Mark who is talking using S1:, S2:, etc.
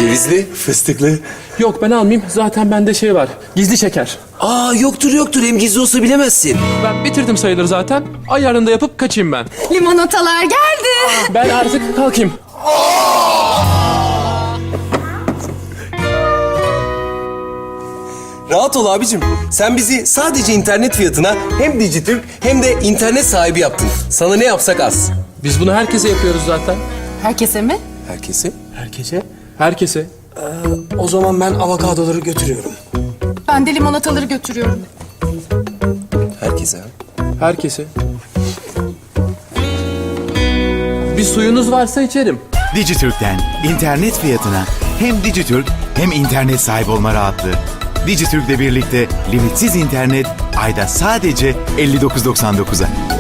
S1: Cevizli, fıstıklı.
S2: Yok ben almayayım. Zaten bende şey var. Gizli şeker.
S1: Aa yoktur. Hem gizli olsa bilemezsin.
S2: Ben bitirdim sayılır zaten. Ayarında yapıp kaçayım ben.
S3: Limonatalar geldi.
S2: Ben artık kalkayım.
S1: Rahat ol abicim. Sen bizi sadece internet fiyatına hem Dijitürk hem de internet sahibi yaptın. Sana ne yapsak az.
S2: Biz bunu herkese yapıyoruz zaten.
S3: Herkese mi?
S1: Herkese.
S2: Herkese? Herkese.
S4: O zaman ben avokadoları götürüyorum.
S3: Ben de limonataları götürüyorum.
S1: Herkese.
S2: Herkese. Bir suyunuz varsa içerim.
S5: Dijitürk'ten internet fiyatına hem Dijitürk hem internet sahibi olma rahatlığı. Dijitürk'le birlikte limitsiz internet ayda sadece 59.99'a.